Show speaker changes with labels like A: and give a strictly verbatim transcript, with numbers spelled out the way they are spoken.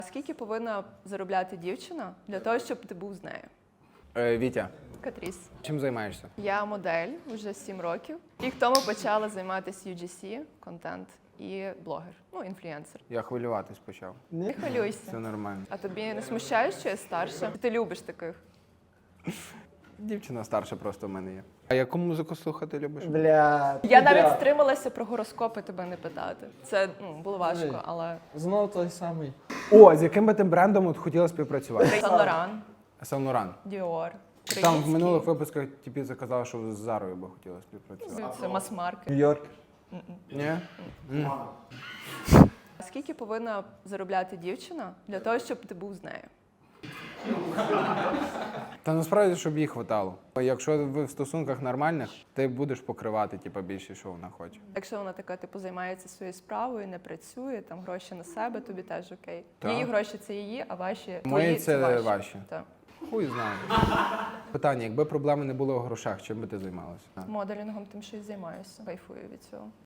A: Скільки повинна заробляти дівчина для того, щоб ти був з нею?
B: Е, Вітя,
A: Катріс.
B: чим займаєшся?
A: Я модель вже сім років. Рік тому почала займатися ю джі сі, контент і блогер, ну, інфлюенсер.
B: Я хвилюватись почав.
A: Не хвилюйся.
B: Все нормально.
A: А тобі не смущає, що я старша? Ти любиш таких?
B: Дівчина старша просто в мене є. А яку музику слухати любиш?
C: Бля.
A: Я навіть
C: бля.
A: стрималася про гороскопи тебе не питати. Це ну, було важко, але
C: Знову той самий.
B: О, з яким би тим брендом от хотіла співпрацювати?
A: Сан Лоран,
B: Сан Лоран.
A: Діор,
B: Там в минулих випусках типі заказала, що з Зарою би хотіла співпрацювати.
A: це мас-маркет.
C: Нью-Йорк.
B: Ні? М.
A: Скільки повинна заробляти дівчина для того, щоб ти був з нею?
B: Та насправді, щоб їй хватало. Якщо ви в стосунках нормальних, ти будеш покривати типу, більше, що вона хоче.
A: Якщо вона така, типу, займається своєю справою, не працює, там гроші на себе, тобі теж окей.
B: Так.
A: Її гроші це її, а ваші
B: Мої
A: твої
B: це
A: ваші.
B: ваші.
A: Так.
B: Хуй знає. Питання, якби проблеми не було в грошах, чим би ти займалася?
A: Моделінгом тим, що й займаюся. Кайфую від цього.